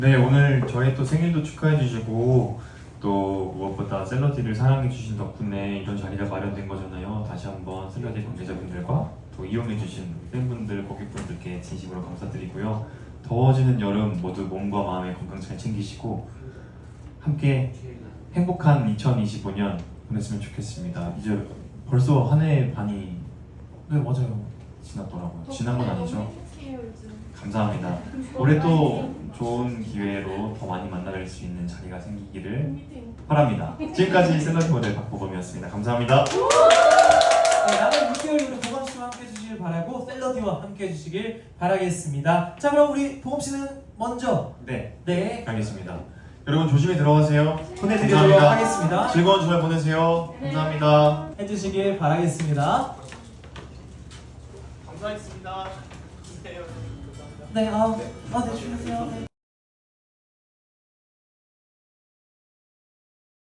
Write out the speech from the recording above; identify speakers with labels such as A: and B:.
A: 네, 오늘 저희 또 생일도 축하해 주시고 또 무엇보다 샐러디를 사랑해 주신 덕분에 이런 자리가 마련된 거잖아요. 다시 한번 샐러디 관계자분들과 또 이용해 주신 팬분들, 고객분들께 진심으로 감사드리고요. 더워지는 여름 모두 몸과 마음의 건강 잘 챙기시고 함께 행복한 2025년 보냈으면 좋겠습니다. 이제 벌써 한 해 반이 네 맞아요 지났더라고요. 지난 건 아니죠? 감사합니다. 올해 또 좋은 기회로 더 많이 만나뵐 수 있는 자리가 생기기를 바랍니다. 지금까지 샐러디 모델 박보검이었습니다. 감사합니다.
B: 네, 남은 6개월 우리 보검 씨와 함께 해주시길 바라고 샐러디와 함께 해주시길 바라겠습니다. 자, 그럼 우리 보검 씨는 먼저
A: 네, 가겠습니다. 여러분 조심히 들어가세요.
B: 보내드리도록 하겠습니다.
A: 즐거운 주말 보내세요. 감사합니다.
B: 해주시길 바라겠습니다.
A: 감사했습니다.
B: 네, 네, 주무세요. 네.